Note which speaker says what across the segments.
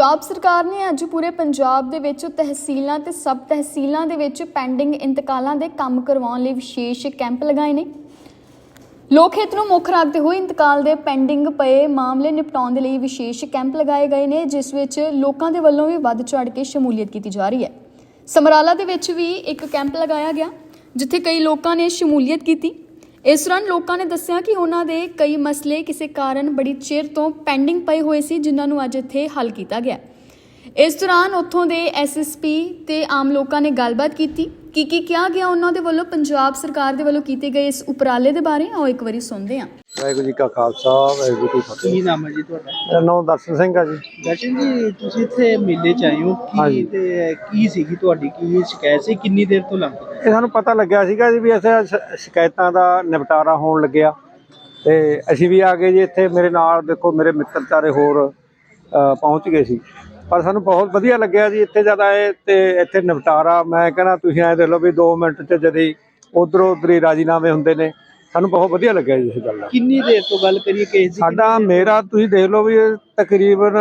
Speaker 1: पंजाब सरकार ने अज पूरे पंजाब दे विच तहसीलों ते सब तहसीलों दे विच पेंडिंग इंतकालों के काम करवाउण लई विशेष कैंप लगाए ने। लोक हित नूं मुख रखते हुए इंतकाल के पेंडिंग पए मामले निपटाउण दे लई विशेष कैंप लगाए गए ने, जिस विच लोकां दे वल्लों भी वध चढ़ के शमूलीयत की जा रही है। समराला दे विच भी एक कैंप लगाया गया जिथे कई लोगों ने शमूलीयत की। इस दौरान लोगों ने दस्सिया कि उन्हों के कई मसले किसी कारण बड़ी चिर तो पेंडिंग पए हुए सी, जिन्होंने अज इत्थे हल किया गया। इस दौरान उत्थों के SSP ते आम लोगों ने गलबात की कहा गया उन्होंने वल्लों पंजाब सरकार के वल्लों किए गए इस उपराले के बारे। आओ एक बारी सुनते हैं।
Speaker 2: वाहिगुरू जी का खालसा वाहिगुरू जी की फतेह।
Speaker 3: ਕੀ ਨਾਮ ਹੈ ਜੀ ਤੁਹਾਡਾ?
Speaker 2: मेरा नाम दर्शन सिंह है जी।
Speaker 3: ਦਰਸ਼ਨ ਜੀ, ਤੁਸੀਂ ਇੱਥੇ ਮੇਲੇ ਚ ਆਏ ਹੋ ਕੀ ਤੇ ਕੀ ਸੀਗੀ ਤੁਹਾਡੀ ਕੀ ਸ਼ਿਕਾਇਤ ਸੀ, ਕਿੰਨੀ ਦੇਰ ਤੋਂ ਲੰਘ ਰਹੀ?
Speaker 2: ਇਹ ਸਾਨੂੰ ਪਤਾ ਲੱਗਿਆ ਸੀਗਾ ਜੀ ਵੀ ਇੱਥੇ ਸ਼ਿਕਾਇਤਾਂ ਦਾ ਨਿਪਟਾਰਾ ਹੋਣ ਲੱਗਿਆ ਤੇ ਅਸੀਂ ਵੀ ਆ ਗਏ ਜੀ। ਇੱਥੇ ਮੇਰੇ ਨਾਲ ਦੇਖੋ ਮੇਰੇ ਮਿੱਤਰ ਚਾਰੇ ਹੋਰ ਪਹੁੰਚ ਗਏ ਸੀ, ਪਰ ਸਾਨੂੰ ਬਹੁਤ ਵਧੀਆ ਲੱਗਿਆ ਜੀ ਇੱਥੇ ਜਦ ਆਏ ਤੇ ਇੱਥੇ ਨਿਪਟਾਰਾ। ਮੈਂ ਕਹਿੰਦਾ ਤੁਸੀਂ ਐਂ ਦੇਖ ਲਓ ਵੀ 2 ਮਿੰਟ 'ਚ ਜਦੀ ਉੱਧਰੋਂ ਉੱਧਰ ਹੀ ਰਾਜੀਨਾਮੇ ਹੁੰਦੇ ਨੇ। ਸਾਨੂੰ ਬਹੁਤ ਵਧੀਆ ਲੱਗਿਆ ਜੀ ਇਸ ਗੱਲ ਦਾ।
Speaker 3: ਕਿੰਨੀ ਦੇਰ ਤੋਂ ਗੱਲ ਕਰੀਏ ਕੇਸ ਦੀ?
Speaker 2: ਸਾਡਾ ਮੇਰਾ ਤੁਸੀਂ ਦੇਖ ਲਓ ਵੀ ਤਕਰੀਬਨ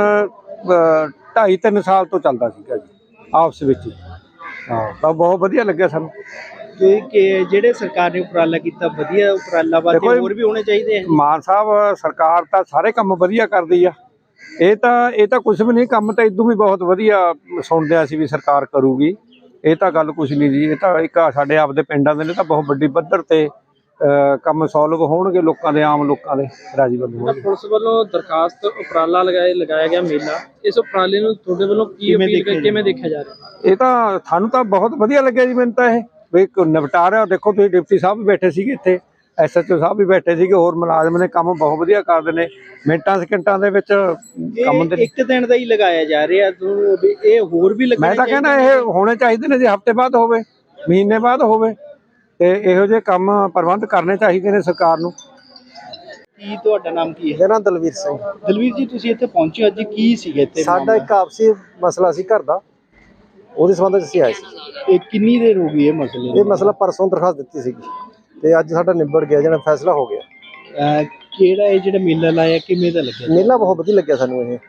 Speaker 2: 2.5-3 ਸਾਲ ਤੋਂ ਚੱਲਦਾ ਸੀਗਾ ਜੀ ਆਪਸ ਵਿੱਚ ਹੀ। ਹਾਂ, ਤਾਂ ਬਹੁਤ ਵਧੀਆ ਲੱਗਿਆ ਸਾਨੂੰ
Speaker 3: ਕਿ ਜਿਹੜੇ ਸਰਕਾਰ ਨੇ ਉਪਰਾਲਾ ਕੀਤਾ, ਵਧੀਆ ਉਪਰਾਲਾ ਵਾ, ਤੇ ਹੋਰ ਵੀ ਹੋਣੇ ਚਾਹੀਦੇ ਆ।
Speaker 2: ਮਾਨ ਸਾਹਿਬ ਸਰਕਾਰ ਤਾਂ ਸਾਰੇ ਕੰਮ ਵਧੀਆ ਕਰਦੀ ਆ। ਇਹ ਤਾਂ ਕੁਝ ਵੀ ਨਹੀਂ, ਕੰਮ ਤਾਂ ਇਦੋਂ ਵੀ ਬਹੁਤ ਵਧੀਆ ਸੁਣਦੇ ਆ ਅਸੀਂ ਵੀ ਸਰਕਾਰ ਕਰੂਗੀ। ਇਹ ਤਾਂ ਗੱਲ ਕੁਝ ਨਹੀਂ ਜੀ। ਇਹ ਤਾਂ ਇੱਕ ਸਾਡੇ ਆਪਦੇ ਪਿੰਡਾਂ ਦੇ ਨੇ ਤਾਂ ਬਹੁਤ ਵੱਡੀ ਪੱਧਰ ਤੇ ਕੰਮ ਸੋਲਵ ਹੋਣਗੇ, ਲੋਕਾਂ ਦੇ ਆਮ ਲੋਕਾਂ ਦੇ ਰਾਜੀ ਬੰਦੇ।
Speaker 3: ਪੁਲਿਸ ਵੱਲੋਂ ਦਰਖਾਸਤ ਉਪਰਾਲਾ ਲਗਾਇਆ ਗਿਆ ਮੇਲਾ, ਇਸ ਉਪਰਾਲੇ ਨੂੰ ਤੁਹਾਡੇ ਵੱਲੋਂ ਕਿਵੇਂ ਦੇਖਿਆ ਜਾ ਰਿਹਾ?
Speaker 2: ਇਹ ਤਾਂ ਸਾਨੂੰ ਤਾਂ ਬਹੁਤ ਵਧੀਆ ਲੱਗਿਆ ਜੀ। ਮੈਨੂੰ ਤਾਂ ਇਹ ਵੀ ਨਿਪਟਾਰਾ ਦੇਖੋ, ਤੁਸੀਂ ਡਿਪਟੀ ਸਾਹਿਬ ਵੀ ਬੈਠੇ ਸੀਗੇ ਇੱਥੇ, SHO ਸਾਹਿਬ ਵੀ ਬੈਠੇ ਸੀਗੇ, ਹੋਰ ਮੁਲਾਜ਼ਮ ਨੇ ਕੰਮ ਬਹੁਤ ਵਧੀਆ ਕਰਦੇ ਨੇ। ਮਿੰਟਾਂ ਸਕਿੰਟਾਂ ਦੇ ਵਿੱਚ ਕੰਮ ਦੇ
Speaker 3: ਇੱਕ ਦਿਨ ਦਾ ਹੀ ਲਗਾਇਆ ਜਾ ਰਿਹਾ, ਇਹ ਹੋਰ ਵੀ ਲੱਗਣਾ?
Speaker 2: ਮੈਂ ਤਾਂ ਕਹਿੰਦਾ ਇਹ ਹੋਣੇ ਚਾਹੀਦੇ ਨੇ ਜੀ, ਹਫ਼ਤੇ ਬਾਅਦ ਹੋਵੇ, ਮਹੀਨੇ ਬਾਅਦ ਹੋਵੇ, ਤੇ ਇਹੋ ਜਿਹੇ ਕੰਮ ਪ੍ਰਬੰਧ ਕਰਨੇ ਚਾਹੀਦੇ ਨੇ ਸਰਕਾਰ ਨੂੰ।
Speaker 3: ਕੀ ਤੁਹਾਡਾ ਨਾਮ ਕੀ ਹੈ?
Speaker 4: ਮੇਰਾ ਨਾਮ ਦਲਵੀਰ ਸਿੰਘ।
Speaker 3: ਦਲਵੀਰ ਜੀ, ਤੁਸੀਂ ਇੱਥੇ ਪਹੁੰਚੇ ਅੱਜ, ਕੀ ਸੀਗਾ ਇੱਥੇ?
Speaker 4: ਸਾਡਾ ਇੱਕ ਆਪਸੀ ਮਸਲਾ ਸੀ ਘਰ ਦਾ, ਉਹਦੇ ਸੰਬੰਧ ਵਿੱਚ ਅਸੀਂ ਆਏ ਸੀ।
Speaker 3: ਇਹ ਕਿੰਨੀ ਦੇਰ ਹੋ ਗਈ ਇਹ ਮਸਲੇ?
Speaker 4: ਇਹ ਮਸਲਾ ਪਰਸੋਂ ਦਰਖਾਸਤ ਦਿੱਤੀ ਸੀਗੀ ਤੇ ਅੱਜ ਸਾਡਾ ਨਿਬੜ ਗਿਆ, ਜਿਹੜਾ ਫੈਸਲਾ ਹੋ ਗਿਆ।
Speaker 3: ਕਿਹੜਾ ਇਹ ਜਿਹੜਾ ਮੇਲਾ ਲਾਇਆ, ਕਿਵੇਂ ਦਾ ਲੱਗਿਆ?
Speaker 4: ਮੇਲਾ ਬਹੁਤ ਵਧੀਆ ਲੱਗਿਆ ਸਾਨੂੰ। ਇਹ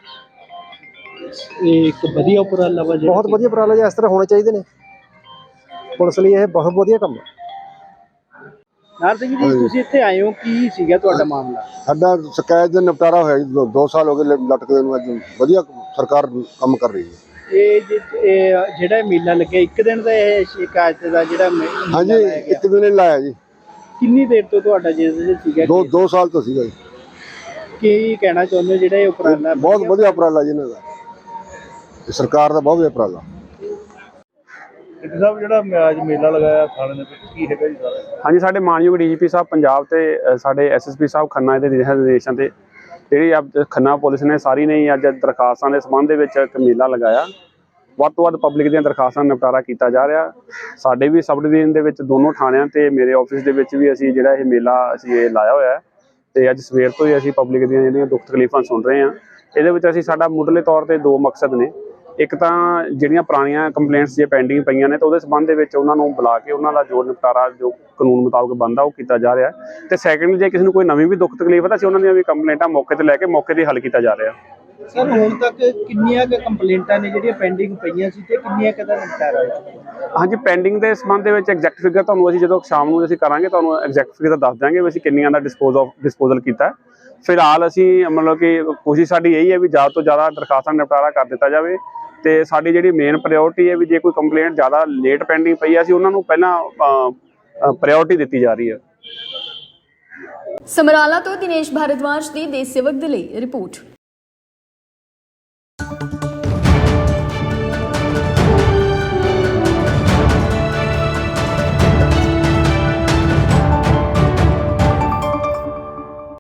Speaker 3: ਇੱਕ ਵਧੀਆ ਉਪਰਾਲਾ ਵਾ,
Speaker 4: ਬਹੁਤ ਵਧੀਆ ਉਪਰਾਲਾ ਜੀ, ਇਸ ਤਰ੍ਹਾਂ ਹੋਣੇ ਚਾਹੀਦੇ ਨੇ। ਪੁਲਿਸ ਲਈ ਇਹ ਬਹੁਤ ਵਧੀਆ ਕੰਮ ਹੈ।
Speaker 3: ਨਾਰ ਸਿੰਘ ਜੀ, ਤੁਸੀਂ ਇੱਥੇ ਆਏ ਹੋ, ਕੀ ਸੀਗਾ ਤੁਹਾਡਾ ਮਾਮਲਾ?
Speaker 5: ਸਾਡਾ ਸ਼ਿਕਾਇਤ ਦਾ ਨਿਪਟਾਰਾ ਹੋਇਆ ਜੀ। 2 ਸਾਲ ਹੋ ਗਏ ਲਟਕਦੇ ਨੂੰ। ਅੱਜ ਵਧੀਆ ਸਰਕਾਰ ਕੰਮ ਕਰ ਰਹੀ ਹੈ। ਇਹ
Speaker 3: ਜਿਹੜਾ ਮੇਲਾ ਲੱਗਿਆ, ਇੱਕ ਦਿਨ ਦਾ ਇਹ ਸ਼ਿਕਾਇਤ ਦਾ ਜਿਹੜਾ
Speaker 5: ਹਾਂਜੀ, ਇੱਕ ਦਿਨ ਹੀ ਲਾਇਆ ਜੀ।
Speaker 3: ਕਿੰਨੀ ਦੇਰ ਤੋਂ ਤੁਹਾਡਾ ਜਿਹੜਾ ਸੀਗਾ?
Speaker 5: 2 ਸਾਲ ਤੋਂ ਸੀਗਾ ਜੀ।
Speaker 3: ਕੀ ਕਹਿਣਾ ਚਾਹੁੰਦੇ ਹੋ ਜਿਹੜਾ ਇਹ ਉਪਰਾਲਾ?
Speaker 5: ਬਹੁਤ ਵਧੀਆ ਉਪਰਾਲਾ ਜੀ ਇਹਨਾਂ ਦਾ, ਸਰਕਾਰ ਦਾ ਬਹੁਤ ਵਧੀਆ ਉਪਰਾਲਾ।
Speaker 6: ਸਾਹਿਬ, ਜਿਹੜਾ ਅੱਜ ਮੇਲਾ ਲਗਾਇਆ ਥਾਣੇ ਦੇ ਵਿੱਚ, ਕੀ ਹੈਗਾ ਜੀ ਸਾਰਾ?
Speaker 7: ਹਾਂਜੀ, ਸਾਡੇ ਮਾਨਯੋਗ DGP ਸਾਹਿਬ ਪੰਜਾਬ ਤੇ ਸਾਡੇ SSP ਸਾਹਿਬ ਖੰਨਾ ਦੇ ਨਿਰਦੇਸ਼ਾਂ ਤੇ ਜਿਹੜੀ ਖੰਨਾ ਪੁਲਿਸ ਨੇ ਸਾਰੀ ਨੇ ਅੱਜ ਦਰਖਾਸਤਾਂ ਦੇ ਸੰਬੰਧ ਦੇ ਵਿੱਚ ਇੱਕ ਮੇਲਾ ਲਗਾਇਆ। ਵੱਧ ਤੋਂ ਵੱਧ ਪਬਲਿਕ ਦੀਆਂ ਦਰਖਾਸਤਾਂ ਦਾ ਨਿਪਟਾਰਾ ਕੀਤਾ ਜਾ ਰਿਹਾ। ਸਾਡੇ ਵੀ ਸਬ ਡਿਵੀਜ਼ਨ ਦੇ ਵਿੱਚ ਦੋਨੋਂ ਥਾਣਿਆਂ ਤੇ ਮੇਰੇ ਆਫਿਸ ਦੇ ਵਿੱਚ ਵੀ ਅਸੀਂ ਜਿਹੜਾ ਇਹ ਮੇਲਾ ਅਸੀਂ ਇਹ ਲਾਇਆ ਹੋਇਆ ਤੇ ਅੱਜ ਸਵੇਰ ਤੋਂ ਹੀ ਅਸੀਂ ਪਬਲਿਕ ਦੀਆਂ ਜਿਹੜੀਆਂ ਦੁੱਖ ਤਕਲੀਫਾਂ ਸੁਣ ਰਹੇ ਹਾਂ। ਇਹਦੇ ਵਿੱਚ ਅਸੀਂ ਸਾਡਾ ਮੁੱਢਲੇ ਤੌਰ ਤੇ 2 ਮਕਸਦ ਨੇ। ਇੱਕ ਤਾਂ ਜਿਹੜੀਆਂ ਪੁਰਾਣੀਆਂ ਕੰਪਲੇਂਟਸ ਜੇ ਪੈਂਡਿੰਗ ਪਈਆਂ ਨੇ ਤਾਂ ਉਹਦੇ ਸੰਬੰਧ ਦੇ ਵਿੱਚ ਉਹਨਾਂ ਨੂੰ ਬੁਲਾ ਕੇ ਉਹਨਾਂ ਦਾ ਜੋ ਨਿਪਟਾਰਾ ਜੋ ਕਾਨੂੰਨ ਮੁਤਾਬਕ ਬਣਦਾ ਉਹ ਕੀਤਾ ਜਾ ਰਿਹਾ। ਤੇ ਸੈਕੰਡ, ਜੇ ਕਿਸੇ ਨੂੰ ਕੋਈ ਨਵੀਂ ਵੀ ਦੁੱਖ ਤਕਲੀਫ ਹੈ ਤਾਂ ਅਸੀਂ ਉਹਨਾਂ ਦੀਆਂ ਵੀ ਕੰਪਲੇਂਟਾਂ ਮੌਕੇ ਤੇ ਲੈ ਕੇ ਮੌਕੇ ਤੇ ਹੱਲ ਕੀਤਾ ਜਾ ਰਿਹਾ।
Speaker 3: ਸਰ, ਹੁਣ ਤੱਕ ਕਿੰਨੀਆਂ ਕੁ ਕੰਪਲੇਂਟਾਂ ਨੇ ਜਿਹੜੀਆਂ ਪੈਂਡਿੰਗ ਪਈਆਂ ਸੀ ਤੇ ਕਿੰਨੀਆਂ ਕੁ ਦਾ ਨਿਪਟਾਰਾ ਹੋਇਆ?
Speaker 7: ਹਾਂਜੀ, ਪੈਂਡਿੰਗ ਦੇ ਸੰਬੰਧ ਦੇ ਵਿੱਚ ਐਗਜ਼ੈਕਟ ਫਿਗਰ ਤੁਹਾਨੂੰ ਅਸੀਂ ਜਦੋਂ ਸ਼ਾਮ ਨੂੰ ਅਸੀਂ ਕਰਾਂਗੇ ਤੁਹਾਨੂੰ ਐਗਜ਼ੈਕਟ ਫਿਗਰ ਦੱਸ ਦਿਆਂਗੇ ਵੀ ਅਸੀਂ ਕਿੰਨੀਆਂ ਦਾ ਡਿਸਪੋਜ਼ਲ ਕੀਤਾ। ਫਿਲਹਾਲ ਅਸੀਂ ਮਤਲਬ ਕਿ ਕੋਸ਼ਿਸ਼ ਸਾਡੀ ਇਹੀ ਹੈ ਵੀ ਜ਼ਿਆਦਾ ਤੋਂ ਜ਼ਿਆਦਾ ਦਰਖਾਸਤਾਂ ਨਿਪਟਾਰਾ ਕਰ ਦਿੱਤਾ ਜਾਵੇ। ਤੇ ਸਾਡੀ ਜਿਹੜੀ ਮੇਨ ਪ੍ਰਾਇਓਰਟੀ ਹੈ ਵੀ ਜੇ ਕੋਈ ਕੰਪਲੇਂਟ ਜ਼ਿਆਦਾ ਲੇਟ ਪੈਂਡਿੰਗ ਪਈ ਹੈ ਅਸੀਂ ਉਹਨਾਂ ਨੂੰ ਪਹਿਲਾਂ ਪ੍ਰਾਇਓਰਟੀ ਦਿੱਤੀ ਜਾ ਰਹੀ ਹੈ।
Speaker 1: ਸਮਰਾਲਾ ਤੋਂ ਦਿਨੇਸ਼ ਭਾਰਦਵਾਜ ਦੀ ਦੇਸ਼ ਸੇਵਕ ਦੇ ਲਈ ਰਿਪੋਰਟ।